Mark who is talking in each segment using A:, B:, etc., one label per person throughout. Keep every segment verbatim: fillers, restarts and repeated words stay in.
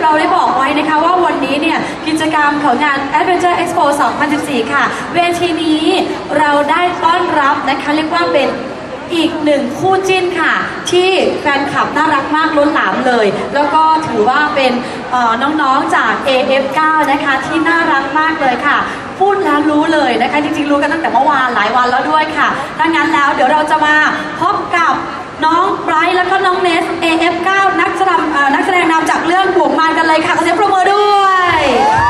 A: เราได้บอกไว้นะคะว่าวันนี้เนี่ยกิจกรรมของงาน Adventure Expo สองพันสิบสี่ ค่ะเวทีนี้เราได้ต้อนรับนะคะเรียกว่าเป็นอีกหนึ่งคู่จิ้นค่ะที่แฟนคลับน่ารักมากล้นหลามเลยแล้วก็ถือว่าเป็นน้องๆจาก เอ เอฟ ไนน์ นะคะที่น่ารักมากเลยค่ะพูดแล้วรู้เลยนะคะจริงๆรู้กันตั้งแต่เมื่อวานหลายวันแล้วด้วยค่ะดังนั้นแล้วเดี๋ยวเราจะมาพบกับน้องไบรท์แล้วก็น้องเนส เอ เอฟ ไนน์ นักแสดงนักแสดงนำจากเรื่องบ่วงมารกันเลยค่ะขอเสียงปรบมือด้วย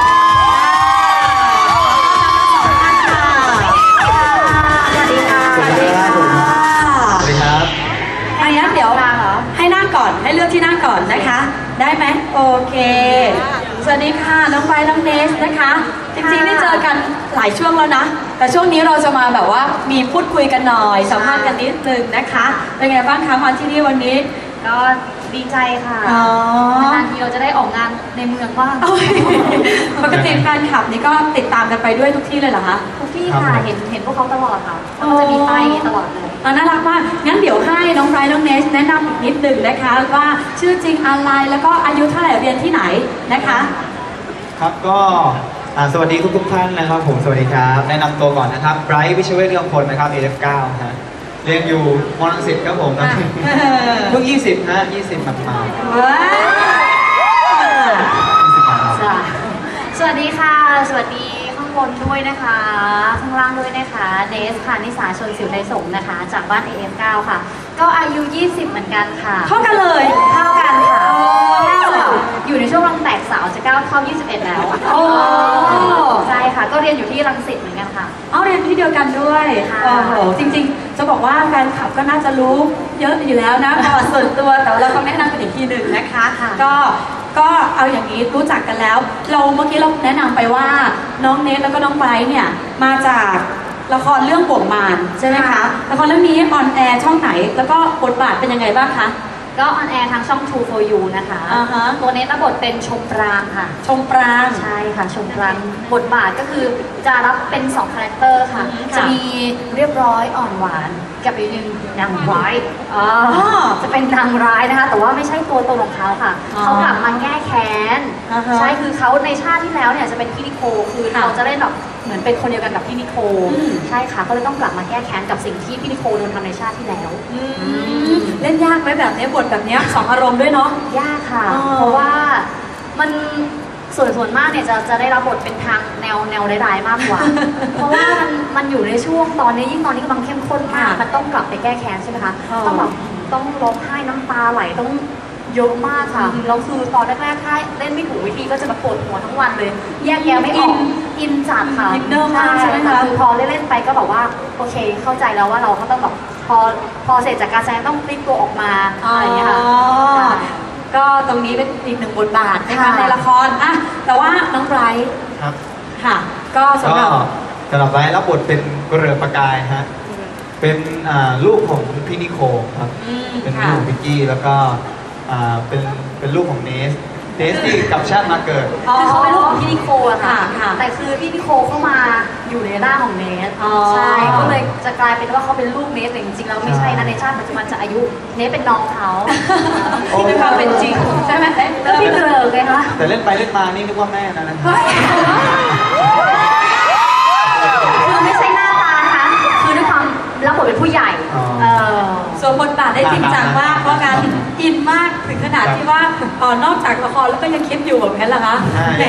A: ให้นั่งก่อนให้เลือกที่นั่งก่อนนะคะได้ไหมโอเคสวัสดีค่ะน้องไบรท์น้องเนสนะคะจริงๆได้เจอกันหลายช่วงแล้วนะแต่ช่วงนี้เราจะมาแบบว่ามีพูดคุยกันหน่อยสัมภาษณ์กันนิดนึงนะคะเป็นไงบ้างคะมาที่นี่วันนี้
B: ก็ดีใจค่ะนานทีเราจะได้ออกงานในเมืองบ้าง
A: ปกติแฟนคลับนี่ก็ติดตามกันไปด้วยทุกที่เลยเหรอคะ
B: ทุกที่ค่ะเห็นเห็นพวกเขาตลอดค่ะก็จะมีป้ายตลอดเลย
A: น่ารักมากงั้นเดี๋ยวให้น้องไบรท์น้องเนสแนะนำอีกนิดนึงนะคะว่าชื่อจริงอะไรแล้วก็อายุเท่าไหร่เรียนที่ไหนนะคะ
C: ครับก็สวัสดีทุกทุกท่านนะครับผมสวัสดีครับแนะนำตัวก่อนนะครับไบรท์วิชเวทเรืองพลนะครับ เอ เอฟ ไนน์ ฮะเรียนอยู่ม.รังสิตครับผมเพิ่งยี่สิบฮะยี่สิบมามา
B: สวัสดีค่ะสวัสดีข้างบนด้วยนะคะข้างล่างด้วยนะคะเนสค่ะนิสาชนสิวในสงนะคะจากบ้าน เอ เอฟ ไนน์ ค่ะก็อายุยี่สิบเหมือนกันค่ะ
A: เท่ากันเลย
B: เท่ากันค่ะอยู่ในช่วงรังแตกสาวจะก้าวเข้ายี่สิบเอ็ดแล้ว
A: โอ้
B: ใช่ค่ะก็เรียนอยู่ที่รังสิตเหมือนกันค่ะ
A: เอาเรียนที่เดียวกันด้วยโอ้โหจริงๆจะบอกว่าแฟนคลับก็น่าจะรู้เยอะอยู่แล้วนะประวัติส่วนตัวแต่เราต้องแนะนำกันอีกทีหนึ่งนะคะก็ก็เอาอย่างนี้รู้จักกันแล้วเราเมื่อกี้เราแนะนำไปว่าน้องเนสแล้วก็น้องไบรท์เนี่ยมาจากละครเรื่องบ่วงมารใช่ไหมคะละครเรื่องนี้ออนแอร์ช่องไหนแล้วก็บทบาทเป็นยังไงบ้างคะ
B: ก็ออนแอร์ทางช่อง ทู โฟร์ ยู นะคะตัวเนสรับบทเป็นชมปรางค่ะ
A: ชมปราง
B: ใช่ค่ะชมปรางบทบาทก็คือจะรับเป็นสองคาแรคเตอร์ค่ะจะมีเรียบร้อยอ่อนหวานกับอีกหนึ่งนางร้ายจะเป็นนางร้ายนะคะแต่ว่าไม่ใช่ตัวตนของเขาค่ะเขากลับมาแก้แค้นใช่คือเขาในชาติที่แล้วเนี่ยจะเป็นพี่นิโคคือเราจะเล่นแบบเหมือนเป็นคนเดียวกันกับพี่นิโคใช่ค่ะก็เลยต้องกลับมาแก้แค้นกับสิ่งที่พี่นิโคโดนทำในชาติที่แล้ว
A: เล่นยากไหมแบบนี้บทแบบนี้สองอารมณ์ด้วยเนาะ
B: ยากค่ะเพราะว่ามันส่วนส่วนมากเนี่ยจะจะได้รับบทเป็นทางแนวแนวร้ายๆมากกว่าเพราะว่ามันมันอยู่ในช่วงตอนนี้ยิ่งตอนนี้กำลังเข้มข้นมากมันต้องกลับไปแก้แค้นใช่ไหมคะต้องแบบต้องร้องไห้น้ำตาไหลต้องเยอะมากค่ะแล้วคือตอนแรกๆถ้าเล่นไม่ถูกวิธีก็จะมาปวดหัวทั้งวันเลยแยกแยะไม่ออกอินจัดค่ะ
A: อินเนอร์มากใช่ไหมคะ
B: คือพอเล่นๆไปก็แบบว่าโอเคเข้าใจแล้วว่าเราก็ต้องแบบพอพอเสร็จจากการแสดงต้องพลิกตัวออกมาอะไรอย่างเงี้ยค่ะ
A: ก็ตรงนี้เป็นอีกหนึ่งบทบาทนะคะในละครอ่ะแต่ว่าน้องไบรท์
C: ครับ
A: ค่ะก็สำหรับ
C: สำหรับไบรท์รับบทเป็นกุเรือประกายฮะเป็นลูกของพี่นิโคครับเป็นลูกของพิกกี้แล้วก็เป็นเป็นลูกของเนสเนสที่กลับชาติมาเกิด
B: คือเขาเป็นลูกของพี่นิโคอะค่ะแต่คือพี่นิโคเข้ามาอยู่ในร่างของเนสใช่ก็เลยจะกลายเป็นว่าเขาเป็นลูกเนสแต่จริงๆแล้วไม่ใช่นะในชาติปัจจุบันจะอายุเนสเป็นน้องเขา
A: ที่เป็นความเป็นจริงใช่ไหม
B: แล้วพี่เกลือไงคะ
C: แต่เล่นไปเล่นมานี่นึกว่าแม่นะนะ
B: คือไม่ใช่หน้าตานะคะคือด้วยความรับบทเป็นผู้ใหญ่
A: ส่วนบทบาทได้จริงจังมากเพราะการอินมากถึงขนาดที่ว่านอกจากละครแล้วก็ยังคิดอยู่แบบนั้นเหรอคะ
C: แหม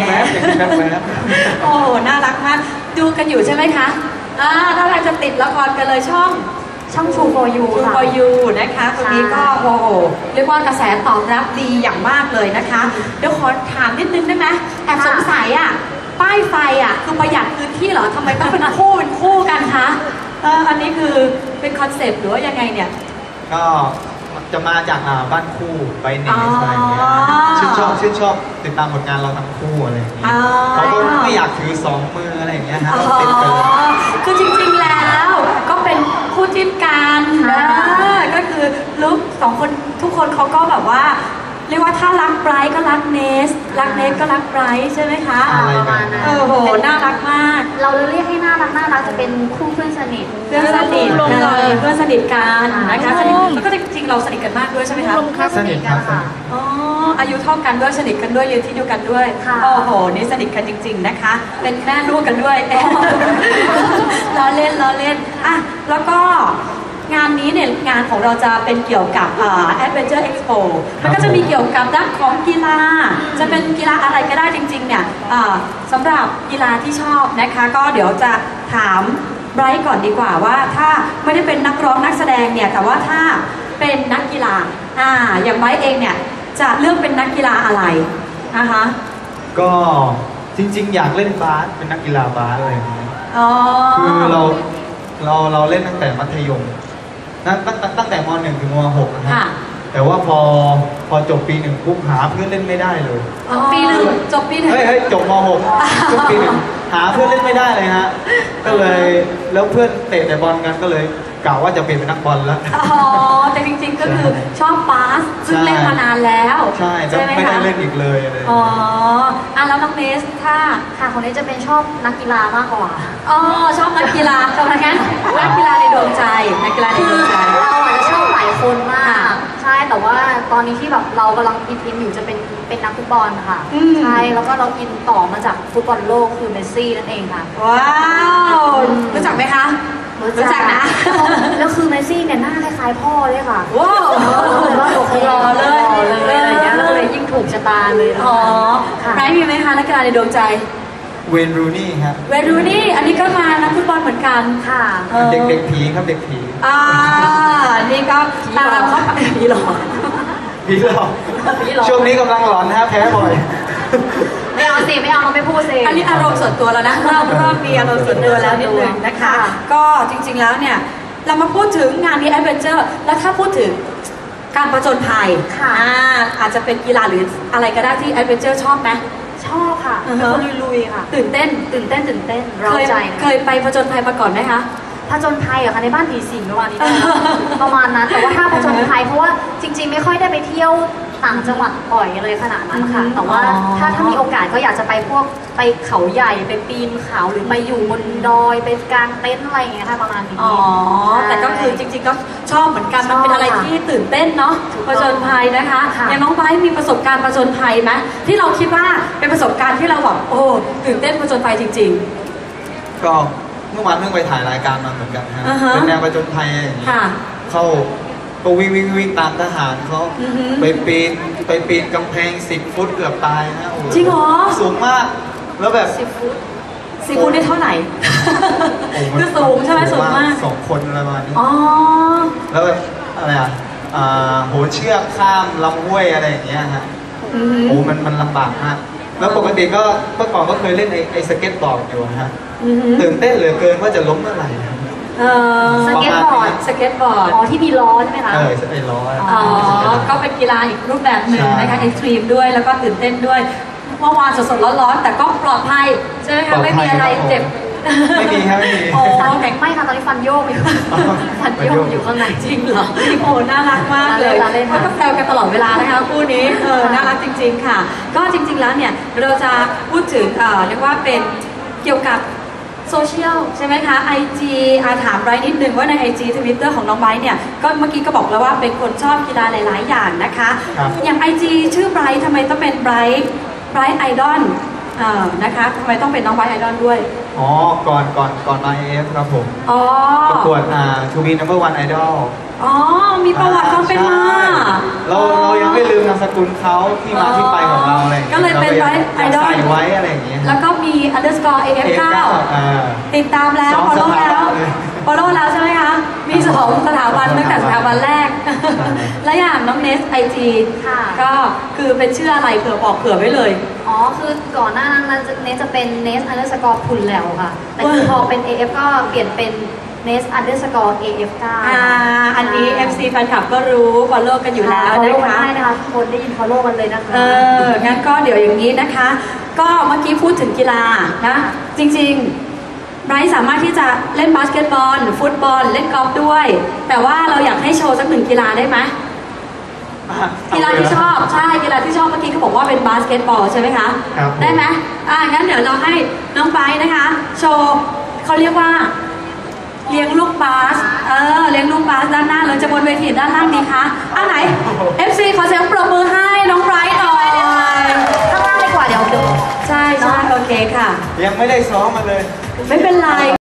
A: โอ้น่ารักมากดูกันอยู่ใช่ไหมคะอ่าถ้าเราจะติดละครกันเลยช่อง
B: ช่อง ทู โฟร์ ยู
A: ทู โฟร์ ยู นะคะตรงนี้ก็โอ้โหเรียกว่ากระแสตอบรับดีอย่างมากเลยนะคะเดี๋ยวขอถามนิดนึงได้ไหมแอบสงสัยอ่ะป้ายไฟอ่ะคือประหยัดพื้นที่เหรอทำไมต้องเป็นคู่เป็นคู่กันคะเอออันนี้คือเป็นคอนเซปต์หรือว่ายังไงเนี่ย
C: ก็จะมาจากบ้านคู่ไปเนสอะไรอย่างเงี้ยชื่นชอบชื่นชอบติดตามผลงานเราทั้งคู่อะไรอย่างเงี้ยเขาก็ไม่อยากถือสองมืออะไรอย่างเงี้ยฮะติดกัน
A: คือจริงๆแล้วก็เป็นคู่จิ้นกันนะก็คือลุกสองคนทุกคนเขาก็แบบว่าเรียกว่าถ้ารักไบรท์ก็รักเนสรักเนสก็รักไบรท์ใช่ไหมคะ
B: ประมาณนั้น
A: เออโหน่ารักมาก
B: เราเรียกให้น่ารักน่ารักจะเป็นคู่เพื่อนสนิท
A: เพื่อนสนิทเลยเพื่อนสนิทกันนะคะสนิทแล้วก็จริงๆเราสนิทกันมากด้วยใช่ไหมคะ
C: สนิทกันค่ะ
A: อ๋ออายุเท่ากันด้วยสนิทกันด้วยเรียนที่เดียวกันด้วย
B: ค่ะ
A: โอ้โหนี่สนิทกันจริง ๆนะคะ เป็นแม่ลูกกันด้วย ล้อเล่นล้อเล่นอ่ะแล้วก็งานนี้เนี่ยงานของเราจะเป็นเกี่ยวกับอ่า Adventure Expo มันก็จะมีเกี่ยวกับด้านของกีฬา จะเป็นกีฬาอะไรก็ได้จริงๆเนี่ยอ่าสำหรับกีฬาที่ชอบนะคะ ก็เดี๋ยวจะถามไบรท์ก่อนดีกว่าว่าถ้าไม่ได้เป็นนักร้องนักแสดงเนี่ยแต่ว่าถ้าเป็นนักกีฬาอ่าอย่างไบรท์เองเนี่ยจะเลือกเป็นนักกีฬาอะไรนะคะ
C: ก็จริงๆ อยากเล่นบาสเป็นนักกีฬาบาสอะไรอย่างเงี้ย
A: อ๋อ
C: คือเราเราเราเล่นตั้งแต่มัธยมตั้งตั้งตั้งตั้งแต่มหนึ่งถึงมหกนะฮะ
A: ค่ะ
C: แต่ว่าพอพอจบปีหนึ่งปุ๊บหาเพื่อนเล่นไม่ได้เลย
A: อ๋อปีหนึ่งจบปีหนึ่ง
C: เฮ้ยเฮ้ยจบมหกจบปีหนึ่งหาเพื่อนเล่นไม่ได้เลยฮะ ก็เลยแล้วเพื่อนเตะแต่บอลกันก็เลยกล่าวว่าจะเป็นนักบอลแล้ว
A: อ๋อแต่จริงๆก็คือชอบบาสซึ่งเล่นมานานแล้ว
C: ใช่แล้ว
A: ไหม
C: ไม่ได้
A: คะ
C: เล่นอีกเลยอะไรอย่าง
A: อ๋อ
C: เงี้ย
A: อ่ะแล้วน้องเนสถ้า
B: ค่ะคนนี้จะเป็นชอบนักกีฬามากกว่า
A: อ๋อชอบนักกีฬาชอบนักงั้นนักกีฬาในดวงใจนักกีฬาในดวงใจ
B: เราอาจจะชอบหลายคนมา
A: ค่ะ
B: ก ใช่แต่ว่าตอนนี้ที่แบบเรากำลังอินอินอยู่จะเป็นเป็นนักฟุตบอลค่ะ
A: อืม
B: ใช่แล้วก็เราอินต่อมาจากฟุตบอลโลกคือเมสซี่นั่นเองค่ะ
A: ว้าวรู้จักไหมคะรู้จักนะ
B: แล้วคือเมสซี่เนี่ยหน้าคล้ายๆพ่อเลยค่ะ
A: ว้าว
B: เลยว่าโอเค
A: รอเลย
B: รอเลยอะไรอย่างเงี้ยแล้วก็เลยยิ่งถูกชะตาเลยนะคะ
A: อ๋อ
B: ค่ะ
A: ไบรท์มีไหมคะนักกีฬาในดวงใจ
C: เวนรูนี่ครับ
A: เวรูนี่อันนี้ก็มานักฟุตบอลเหมือนกัน
B: ค่ะ
A: ออ
C: เด็กเด็กผีครับเด็กผี
A: อ่านี่ก็ตามเข้าไปผีหลอก
C: ผีหลอก
B: ผีหลอก
C: ช่วงนี้กำลังหลอนนะฮะแพ้บ่อย
B: ไม่เอาสิไม่เอาเราไม่พูดสิ
A: อันนี้อารมณ์ส่วนตัวแล้วนะเริ่มเริ่มมีอารมณ์ส่วนตัวแล้วนิดนึงนะคะ
B: ค่ะ
A: ก็จริงๆแล้วเนี่ยเรามาพูดถึงงานนี้แอดเวนเจอร์แล้วถ้าพูดถึงการประจนภัย
B: ค่ะ
A: อ่าอาจจะเป็นกีฬาหรืออะไรก็ได้ที่แอดเวนเจอร์ชอบไหม
B: ชอบค่ะ
A: อือ
B: เป็น
A: ฮะ
B: คนลุยๆค่ะ
A: ตื่นเต้น
B: ตื่นเต้นตื่นเต้น
A: เค
B: เร้าย ใจ
A: เคยไปประจนภัยมาก่อนไหมคะ
B: ผจญภัยเหรอคะในบ้านผีสิงประมาณนี้ได้ไหม ประมาณนั้นแต่ว่าถ้าผจญภัยเพราะว่าจริง ๆ ไม่ค่อยได้ไปเที่ยวต่างจังหวัดบ่อยเลยขนาดนั้นค่ะ
A: อืม
B: แต่ว่า
A: อ๋อ
B: ถ้าถ้ามีโอกาสก็อยากจะไปพวกไปเขาใหญ่ไปปีนเขาหรือไปอยู่บนดอยไปกางเต็นท์อะไรอย่างเงี้ยค่ะประมาณนี้
A: อ๋อ แต่ก็คือจริงๆก็ชอบเหมือนกัน มันเป็นอะไรที่ตื่นเต้นเนาะ
B: ถูก
A: ป
B: ต้อง
A: ระจนภัยนะคะ
B: ค่ะ
A: อย่างน้องไบร์ทมีประสบการณ์ประจนภัยไหมที่เราคิดว่าเป็นประสบการณ์ที่เราแบบโอ้ตื่นเต้นประจนภัยจริง
C: ก็เมื่อวานเพิ่งไปถ่ายรายการมาเหมือนกันนะฮะ
A: อ่าฮะ
C: เป็นแนวประจนภัยอย่างนี้
A: ค่ะ
C: เข้าก็วิ่งวิ่งวิ่งตามทหารเขา
A: อือฮึ
C: ไปปีนไปปีนกำแพงสิบฟุตเกือบตายนะโอ้โ
A: จริงเหรอ
C: สูงมาก แล้วแบบ
B: สิบฟุต
A: ๆซีฟูดได้เท่าไหร่
C: โอ้โห
A: คือสูงใช่ไหมสูงมาก
C: สองคนอะไรประมาณนี้
A: อ๋อ
C: แล้วแบบอะไรอ่ะอ่าโหนเชือกข้ามลำห้วยอะไรอย่างเงี้ยฮะ
A: อือฮึ
C: โอ้มันมันลำบากมาก แล้วปกติก็เมื่อก่อนก็เคยเล่นไอ้ไอ้สเก็ตบอร์ดอยู่นะฮะ
A: อือฮึ
C: ตื่นเต้นเหลือเกินว่าจะล้มเมื่อไหร่ครับ
A: เออ
B: สเก็ตบอร์ด
A: สเก็ตบอร์ด
B: อ๋อที่มีล้อใช่ไหมคะ
C: เออไอ้ล้อ
A: อ๋อ ก็เป็นกีฬาอีกรูปแบบหนึ่ง
C: ใช่
A: นะคะเอ็กซ์ตรีมด้วยแล้วก็ตื่นเต้นด้วยเมื่อวานสดๆร้อนๆแต่ก็ปลอดภัยใช่ไหมคะไม่มีอะไรเจ็บ
C: ไม่มีครับไม่มี
A: โอ้
B: ฟัน
A: แข็ง
B: ไม่ค่ะตอนนี้ฟันโยกอยู่ ฟันโยกอยู่ข้างใน
A: จริงเหรอโอ้น่ารักมากเลย
B: น่าเล่น
A: เขาก็แซวกันตลอดเวลานะคะคู่นี้เออน่ารักจริง ๆ ค่ะ ก็จริง ๆแล้วเนี่ยเราจะพูดถึงเอ่อเรียกว่าเป็นเกี่ยวกับโซเชียลใช่ไหมคะ ไอ จี อาถามไบรท์นิดนึงว่าใน ไอ จี Twitter ของน้องไบรท์เนี่ยก็เมื่อกี้ก็บอกแล้วว่าเป็นคนชอบกีฬาหลาย ๆ อย่างนะคะ
C: ครับ
A: อย่าง ไอ จี ชื่อไบรท์ทำไมต้องเป็นไบรท์ไบรท์ไอดอลนะคะทำไมต้องเป็นน้องไบรท์ไอดอลด้วย
C: อ๋อ ก่อนก่อนก่อนมา เอ เอฟ ครับผม
A: อ๋อ
C: ประกวดอ่า To be number one idol
A: อ๋อ มีประวัติความเป็นมา
C: ใช่เราเรายังไม่ลืมนามสกุลเขาที่มาที่ไปของเราอะไรอย่างเงี้ย
A: ก็เลยเป็น
C: รา
A: Bright
C: ยัง
A: Idol
C: ใส่ไว้อะไรอย่างเงี้ย
A: แล้วก็มี underscore เอ เอฟ เก้า
C: อ่า
A: ติดตามแล้ว
C: สอง
A: follow
C: สถาบัน
A: แล้ว
C: เลย
A: follow แล้วใช่ไหมคะ มีสองสถาบันตั้งแต่สถาบันแรก และอย่างน้องเนสไอจี
B: ค่ะ
A: ก็คือเป็นชื่ออะไรเผื่อบอกเผื่อไว้เลย
B: อ๋อ คือก่อนหน้านั้นนะเนสจะเป็นเนสอันเดอร์สกอร์พุนแล้วค่ะ แต่คือพอเป็น เอ เอฟ ก็เปลี่ยนเป็นเนสอันเดอร์สกอร์ เอ เอฟ เก้า
A: อ่า อันนี้ เอฟ ซี แฟนคลับก็รู้ follow กันอยู่แล้ว
B: ฟอล
A: นะ
B: โล่กัน
A: คะ
B: ได้นะคะทุกคนได้ยินฟอลโล่กันเลยนะคะ
A: เออ งั้นก็เดี๋ยวอย่างนี้นะคะ ก็เมื่อกี้พูดถึงกีฬานะ จริงๆไบรท์สามารถที่จะเล่นบาสเกตบอล ฟุตบอล เล่นกอล์ฟด้วย แต่ว่าเราอยากให้โชว์สักหนึ่งกีฬาได้ไหม กีฬาที่ชอบ ใช่ กีฬาที่ชอบเมื่อกี้เขาบอกว่าเป็นบาสเกตบอลใช่ไหมคะ
C: ครับผม
A: ได้ไหมอ่างั้นเดี๋ยวเราให้น้องไบรท์นะคะ โชว์เขาเรียกว่า เลี้ยงลูกบาส เออ เลี้ยงลูกบาสด้านหน้าหรือจะบนเวทีด้านล่างดีคะอ่าไหน เอฟ ซี ขอเสียงปรบมือให้น้องไบรท์หน่อยค่ะ
C: ยังไม่ได้ซ้อมมาเลย
A: ไม่เป็นไร